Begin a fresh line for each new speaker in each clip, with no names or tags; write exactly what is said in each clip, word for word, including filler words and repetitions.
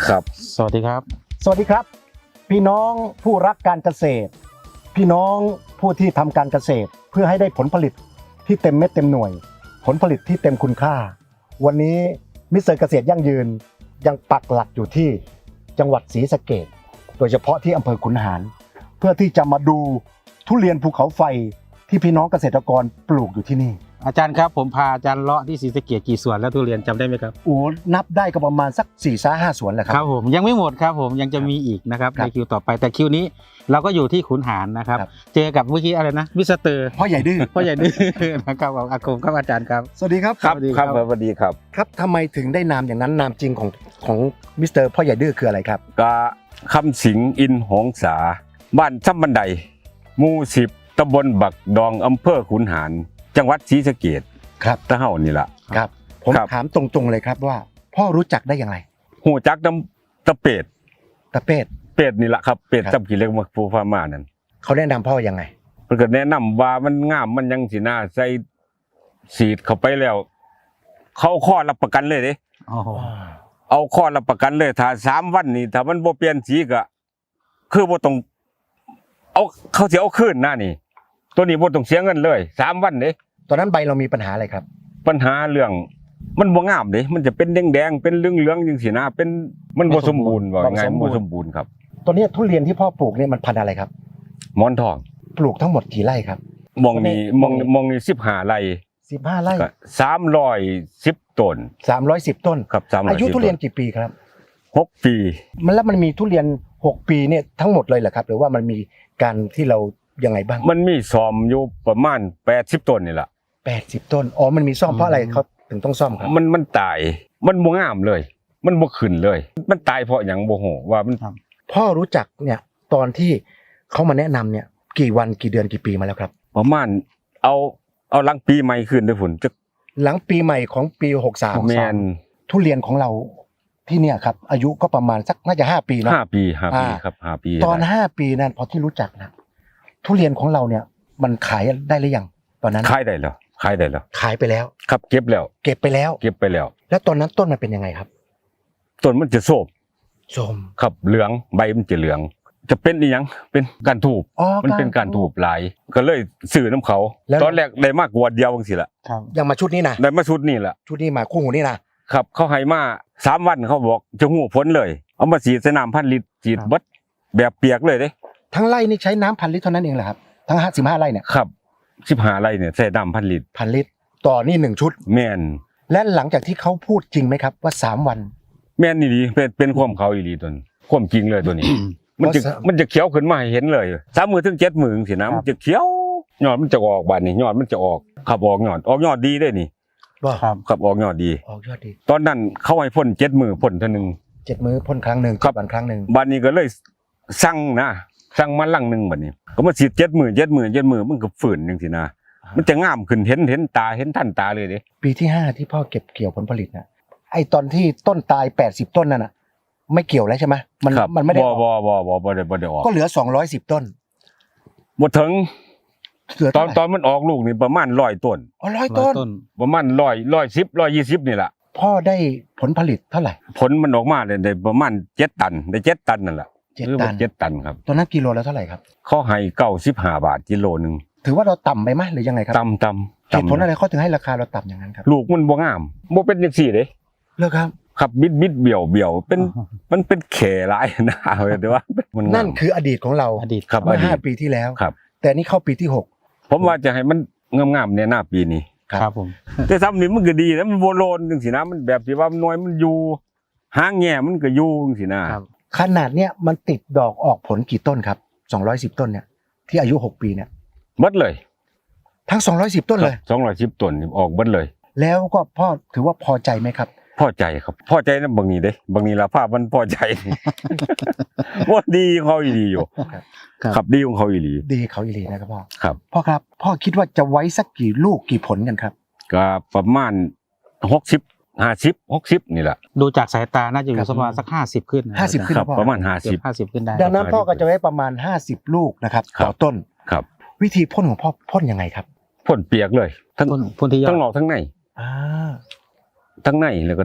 ครับสวัสดีครับ
สวัสดีครับพี่น้องผู้รักการเกษตรพี่น้องผู้ที่ทำการเกษตรเพื่อให้ได้ผลผลิตที่เต็มเม็ดเต็มหน่วยผลผลิตที่เต็มคุณค่าวันนี้มิสเตอร์เกษตรยั่งยืนยังปักหลักอยู่ที่จังหวัดศรีสะเกษโดยเฉพาะที่อำเภอขุนหารเพื่อที่จะมาดูทุเรียนภูเขาไฟที่พี่น้องเกษตรกรปลูกอยู่ที่นี่
อาจารย์ครับผมพาอาจารย์เลาะที่ศรีสะเกษกี่สวนแล้วทุเรียนจำได้ไหมครับ
โอ้นับได้ก็ประมาณสักสี่ซ้าห้าสวนแหละครับ
ครับผมยังไม่หมดครับผมยังจะมีอีกนะครับในคิวต่อไปแต่คิวนี้เราก็อยู่ที่ขุนหารนะครับเจอกับเมื่อกี้อะไรนะมิสเตอร์
พ่อใหญ่ดื้อ
พ่อใหญ่ดื้อนะครับอากงครับอาจารย์ครับ
สวัสดีครับ
ครับครับสวัสดีครับ
ครับทำไมถึงได้นามอย่างนั้นนามจริงของของมิสเตอร์พ่อใหญ่ดื้อคืออะไรครับ
กะคำสิงอินหงสาบ้านซ้ำบันไดหมู่สิบตำบลบักดองอำเภอขุนหารจังหวัดศรีสะเกษ
ครับ
ตะเฮานี่ล่ะ
ครับผมถามตรงๆเลยครับว่าพ่อรู้จักได้อย่างไร
หูจักน้ำตะเป็ด
ตะเป็ด
เป็ดนี่ล่ะครับเป็ดจำกี่เล็กมาฟูฟ้ามานั่น
เขาแนะนำพ่อยังไง
เพิ่นก็แนะนำว่ามันงามมันยังสิน่าใส่สีดเข้าไปแล้วเขาข้อรับประกันเลยเด้
อ๋อ
เอาข้อรับประกันเลยถ้าสามวันนี่ถ้ามันบ่เปลี่ยนสีก็คือบ่ต้องเอาเขาสิเอาคืนหน้านี่ตัวนี้บ่ต้องเสียเงินเลยสามวันเด้
ตอนนั้นใบเรามีปัญหาอะไรครับ
ปัญหาเรื่องมันบ่งามเด้มันจะเป็นแดงๆเป็นเหลืองๆจังซี่นะเป็นมันบ่สมบูรณ์ว่าไงบ่สมบูรณ์ครับ
ตอนนี้ทุเรียนที่พ่อปลูกเนี่ยมันพันธุ์อะไรครับ
หมอนทอง
ปลูกทั้งหมดกี่ไร่ครับ
มองนี่มองมองนี่สิบห้าไร่
สิบห้าไร่
ก็สามร้อยสิบต้น
สามร้อยสิบต้น
ครับสามร้อยสิบ
อายุทุเรียนกี่ปีครับ
หกปี
มันแล้วมันมีทุเรียนหกปีเนี่ยทั้งหมดเลยเหรอครับหรือว่ามันมีการที่เรายังไงบ้าง
มันมีซ่อมอยู่ประมาณแปดสิบต้นนี่ล่ะ
แปดสิบต้นอ๋อมันมีซ่อมเพราะอะไรเขาถึงต้องซ่อมครับ
มันมันตายมันบ่งามเลยมันบ่ขึ้นเลยมันตายเพราะหยังบ่ฮู้ว่ามัน
พ่อรู้จักเนี่ยตอนที่เขามาแนะนำเนี่ยกี่วันกี่เดือนกี่ปีมาแล้วครับ
ประมาณเอาเอาหลังปีใหม่ขึ้นด้วยฝุ่นจะ
หลังปีใหม่ของปีหกสาม
แม่น
ทุเรียนของเราที่เนี่ยครับอายุก็ประมาณสักน่าจะห้าปีเนาะ
ห้าปีห้าปีครับห้าปี
ตอนห้าปีนั้นพอที่รู้จักนะทุเรียนของเราเนี่ยมันขายได้หรือยังตอนนั้น
ขายได้แล้วขายได้แล้ว
ขายไปแล้ว
ครับเก็บแล้ว
เก็บไปแล้ว
เก็บไปแล้ว
แล้วตอนนั้นต้นมันเป็นยังไงครับ
ต้นมันจะโทรม
โทรม
ครับเหลืองใบมันจะเหลืองจะเป็นอีหยังเป็นการถูกมันเป็นการถูกหลายก็เลยสื่อน้ำเขาตอนแรกได้มากกว่าเดียวบางสิละ
ยังมาชุดนี้นะ
ได้มาชุดนี้แหละ
ชุดนี้มาคู่หูนี่นะครับ
เขาให้มาสามวันเขาบอกจะหูพ้นเลยเอามาฉีดใส่น้ำพันลิตรฉีดเบิดแบบเปียกเลยเด้
ทั้งไร่นี่ใช้น้ำพันลิตรเท่านั้นเองเหรอครับทั้งห้าสิบห้าไร่เนี่ย
ครับสิบห้าไร่เนี่ยใส่น้ำพันลิตร
พันลิตรต่อนี่หนึ่งชุด
แม่น
และหลังจากที่เขาพูดจริงไหมครับว่าสามวัน
แม่นนี่ดีเป็นเป็นความเขาอีหลีตัวนี้ความจริงเลยตัวนี้มันจะมันจะเขียวขึ้นมาให้เห็นเลยสามมือถึงเจ็ดมือสินะมันจะเขียวยอดมันจะออกบานนี่ยอดมันจะออกขับออกยอดออกยอดดีได้นี่
ครับ
ขับออกยอดดี
ออกยอดดี
ตอนนั้นเขาให้พ่นเจ็ดมือพ่นเท่านึง
เจ็ดมือพ่นครั้งหนึ่ง
ครับ
วันครั้งหนึ่ง
บานนี้ก็เลยสั่งนะสั่งมาลังหนึ่งบัดนี้ก็มาฉีดเจ็ดมือเจ็ดมือเจ็ดมือมันก็ฝืนจังสินะมันจะงามขึ้นเห็นเห็นตาเห็นท่านตาเลยเด้
ปีที่ห้าที่พ่อเก็บเกี่ยวผลผลิตนะไอตอนที่ต้นตายแปดสิบต้นนั่นน่ะไม่เกี่ยวแล้วใช่ไหมมันมันไม่ได้
บ่บ่บ่บ่บ่ได้บ่ได้ออก
ก็เหลือสองร้อยสิบต้น
บ่ถึงตอนตอนมันออกลูกนี่ประมาณร้อยต้น
อ๋อร้อยต้น
ประมาณร้อยร้อยสิบร้อยยี่สิบนี่แหละ
พ่อได้ผลผลิตเท่าไหร่
ผลมันออกมาได้ประมาณเจ็ดตันได้เจ็ดตันนั่นแหละ
เจ็ดตัน
เจ็ดตันครับ
ตอนนั้นกิโลแล้วเท่าไหร่ครับ
เขาให้เก้าสิบห้าบาทกิโลนึง
ถือว่าเราต่ำไปไหมหรือยังไงครับ
ต่ำต่ำ
เหตุผลอะไรเขาถึงให้ราคาเราต่ำอย่างนั้นครับ
ลูกมันบ่งามบ่เป็นจังซี่เด้
เลิกครับ
ครับบิดบิดเบี่ยวเบี่ยวเป็นมันเป็นแขหลายนะแต่ว่า
นั่นคืออดีตของเรา
อดีต
ครับ
เมื่อห้าปีที่แล้ว
ครับ
แต่นี่เข้าปีที่หก
ผมว่าจะให้มันงามๆเนี่ยหน้าปีนี้
ครับผม
แต่ซ้ำนี่มันก็ดีนะมันโวโลนจังซี่นะมันแบบที่ว่าน้อยมันอยู่หางแง่มันก็อยู่จังซี่นะ
ขนาดเนี้ยมันติดดอกออกผลกี่ต้นครับสองร้อยสิบต้นเนี่ยที่อายุหกปีเนี่ย
หมดเลย
ทั้งสองร้อยสิบต้นเลย
สองร้อยสิบต้นออกหมดเลย
แล้วก็พ่อถือว่าพอใจไหมครับ
พอใจครับพอใจนะบางนี้เด้บางนี้ละภาพมันพอใจว่าดีของเขาอีหลีอยู่ครับดีของเขาอีหลี
ดีเขาอีหลีนะครับพ่อ
ครับ
พ่อครับพ่อคิดว่าจะไว้สักกี่ลูกกี่ผลกันครับ
ก็ประมาณหกสิบห้าสิบหกสิบนี่แหละ
ดูจากสายตาน่าจะอยู่ประมาณสักห้าสิบขึ้น
ห้าสิบขึ้น
ประมาณห้าสิบ
ห้าสิบขึ้นได้
ดังนั้นพ่อก็จะไว้ประมาณห้าสิบลูกนะครับต่อต้น
ครับ
วิธีพ่นของพ่อพ่นยังไงครับ
พ่นเปียกเลย
ทั้งพ่นที่
ทั้งนอกทั้งใน
อ่า
ทั้งในแล้วก็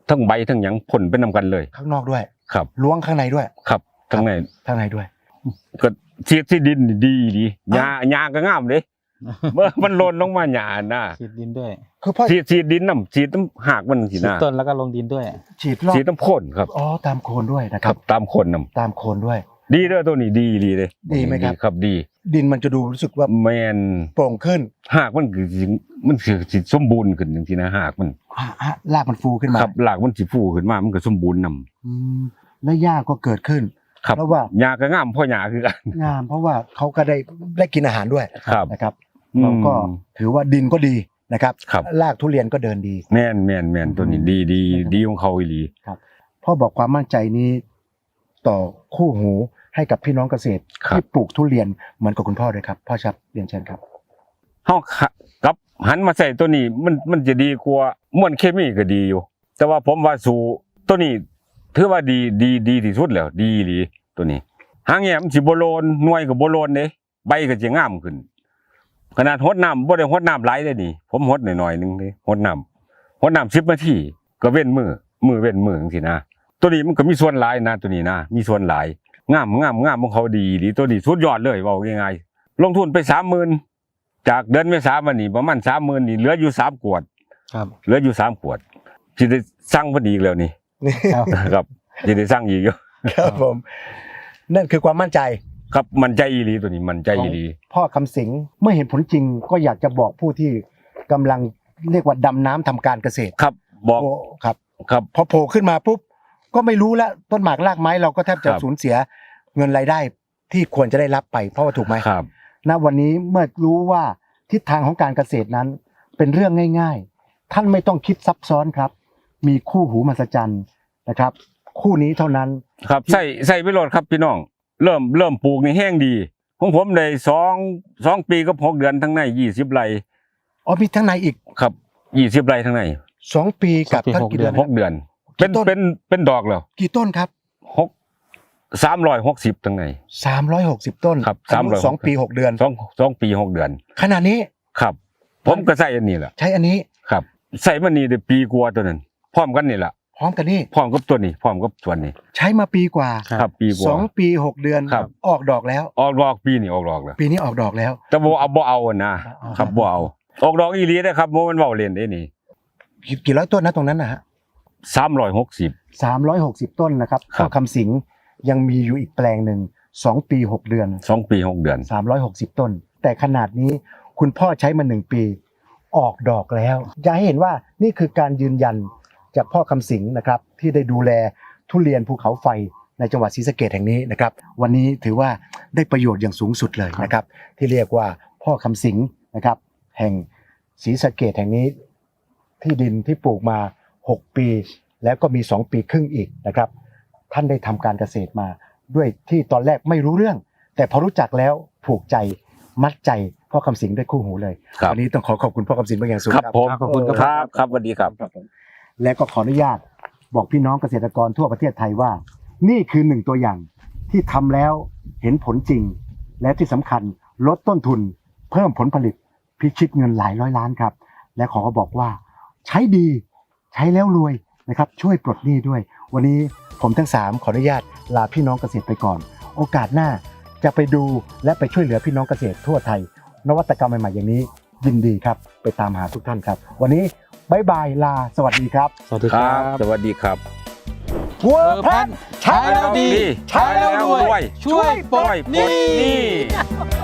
ทั้งใบทั้งหยังพ่นไปนำกันเลย
ข้างนอกด้วย
ครับ
ล้วงข้างในด้วย
ครับทั้งใน
ข้างในด้วย
ก็ฉีดที่ดินนี่ดีดีหญ้าหญ้าก็งามเด้เมื่อมันหล่นลงมาหญ้าน่ะ
ฉีดดินด้วย
คือพ่อ
ฉีดฉีดดินน้ำฉีดน้ำหากมันสิ
ฉีด
นะ
ต้นแล้วก็ลงดินด้วย
ฉีดรอบ
ฉีดน้ำพ่นครับ
อ๋อตามโคนด้วยนะค
ค
รั
รับ บตามคนนำ
ตามโคนด้วย
ดีเด้อตัวนี้ดีดีเลย
ดีไหมครับ
ครับดี
ดินมันจะดูรู้สึกว่า
แมน
โปร่งขึ้น
หากมันคือสิมันคือสิสมบูรณ์ขึ้นจังซี่นะหากมัน
อ่ะอ่ะรากมันฟูขึ้นมา
ครับหลากมันสิฟูขึ้นมามันก็สมบูรณ์นำ
อืมและหญ้าก็เกิดขึ้น
ครับ
เพราะว่า
หญ้าก็งามพ่อหญ้าคือกัน
งามเพราะว่าเขาก็ได้ได้กินอาหารด้วย
ครับ
นะครับเราก็ถือว่าดินก็ดีนะครับ
ครับ
รากทุเรียนก็เดินดี
แม่นแม่นแม่นตัวนี้ดีดีดีของเขาอีหลี
พ่อบอกความมั่นใจนี้ต่อคู่หูให้กับพี่น้องเกษตร
ครับ
ที่ปลูกทุเรียนเหมือนกับคุณพ่อเลยครับพ่อชับเรียนเชิญครับ
เฮากับหันมาใส่ตัวนี้มันมันจะดีกว่าม่วนเคมีก็ดีอยู่ แต่ว่าผมว่าสู่ตัวนี้ถือว่าดีดีดีที่สุดแล้วดีอีหลีตัวนี้หางแหมสิบ่โลนหน่วยก็บ่โลนเด้ใบก็สิงามขึ้น ขนาดหดน้ำบ่ได้หดน้ำหลายเด้นี่ผมหดหน่อยๆนึงเด้หดน้ำหดน้ำสิบนาทีก็เว้นมือมือเว้นมือจังซี่นะตัวนี้มันก็มีส่วนหลายนะตัวนี้นะมีส่วนหลายงามงามงามของเขาดีดีตัวนี้สุดยอดเลยเว้าง่ายๆลงทุนไป สามหมื่น จากเดือนเมษายนมานี่ประมาณ สามหมื่น นี่เหลืออยู่สามขวด
ครับ
เหลืออยู่สามขวดสิได้สั่งเพิ่นอีกแล้วนี่
ครับ
ครับสิได้สั่งอีกอยู่
ครับผมนั่นคือความมั่นใจ
ครับมันใจอีหลีตัวนี้มันใจอีหลี
พ่อคำสิงเมื่อเห็นผลจริงก็อยากจะบอกผู้ที่กำลังเรียกว่าดำน้ำทำการเกษตร
ครับบอก
โอ้ครับ
ครับ
พอโผล่ขึ้นมาปุ๊บก็ไม่รู้แล้วต้นหมากรากไม้เราก็แทบจะ
ครับ
สูญเสียเงินรายได้ที่ควรจะได้รับไปเพราะว่าถูกไหม
ครับ
ณวันนี้เมื่อรู้ว่าทิศทางของการเกษตรนั้นเป็นเรื่องง่ายๆ ท่านไม่ต้องคิดซับซ้อนครับ มีคู่หูมหัศจรรย์นะครับ คู่นี้เท่านั้น
ครับใส่ใส่ไปโลดครับพี่น้องเริ่มเริ่มปลูกนี่แห้งดีของผมได้สองสองปีกับหกเดือนทั้งในยี่สิบไร่
อ๋อมีทั้งในอีก
ครับยี่สิบไร่ทั้งใน
สองปีกับ
สองปี
ทั้ง
หก
กี่
เดื
เดื
อ
อน น
หกเดือน เป็น
ต้น
เป็นเป็นดอกแล้ว
กี่ต้นครับ
หกสามร้อยหกสิบทั้งใน
สามร้อยหกสิบต้น
ครับ
อายุ
สามร้อยหกสิบ
สองปีหกเดือน
สองสองปีหกเดือน
ขณะนี้
ครับ ผมก็ใส่อันนี้แหละ
ใช้อันนี้
ครับ ใส่มันนี่ได้ปีกว่าตัวนั้นพร้อมกันนี่แหละ
พร้อมกันนี่
พร้อมกับตัวนี้พร้อมกับส่วนนี้
ใช้มาปีกว่า
ครับ
ครับปีก
ส
ว่า
องปีหกเดือน
ครับ
ออกดอกแล้ว
ออกดอกปีนี่ออกดอกแล้ว
ปีนี้ออกดอกแล้ว
แต่บ่เอาบ่เอาอะนะ
อ๋อ
ครับบ่เอาออกดอกอีหลีได้ครับบ่แมันเว้าเล่นเด้นี่
กี่กี่ร้อยต้นนะตรงนั้นนะฮะ
สามร้อยหกสิบ
สามร้อยหกสิบต้นนะครับ
ครับ
พ่อคำสิงยังมีอยู่อีกแปลงหนึ่งสองปีหกเดือน
สองปีหกเดือน
สามร้อยหกสิบต้น แต่ขนาดนี้คุณพ่อใช้มาหนึ่งปีออกดอกแล้วจะให้เห็นว่านี่คือการยืนยันจากพ่อคำสิงนะครับที่ได้ดูแลทุเรียนภูเขาไฟในจังหวัดศรีสะเกษแห่งนี้นะครับวันนี้ถือว่าได้ประโยชน์อย่างสูงสุดเลยนะครับที่เรียกว่าพ่อคำสิงนะครับแห่งศรีสะเกษแห่งนี้ที่ดินที่ปลูกมาหกปีแล้วก็มีสองปีครึ่งอีกนะครับท่านได้ทำการเกษตรมาด้วยที่ตอนแรกไม่รู้เรื่อง แต่พอรู้จักแล้วผูกใจมัดใจพ่อคำสิงด้วยคู่หูเลย
ครับ
วันนี้ต้องขอขอบคุณพ่อคำสิงเป็นอย่างสูง
ครับผม
ขอบคุณครับ
ครับครับสวัสดีครับ
และก็ขออนุญาตบอกพี่น้องเกษตรกรทั่วประเทศไทยว่า นี่คือหนึ่งตัวอย่างที่ทำแล้วเห็นผลจริง และที่สำคัญลดต้นทุน เพิ่มผลผลิตพิชิตเงินหลายร้อยล้านครับ และขอบอกว่าใช้ดีใช้แล้วรวยนะครับช่วยปลดหนี้ด้วย วันนี้ผมทั้งสามขออนุญาตลาพี่น้องเกษตรไปก่อน โอกาสหน้าจะไปดูและไปช่วยเหลือพี่น้องเกษตรทั่วไทย นวัตกรรมใหม่ๆอย่างนี้ยินดีครับไปตามหาทุกท่านครับ วันนี้บายบายลาสวัสดีครับ
สวัสดี
ค
ค
รั
รั
บบ สวัสดีครับ
เวอร์แพนใช้แล้วดี
ใช้แล้วรวย
ช่วยปลดหนี้
หนี้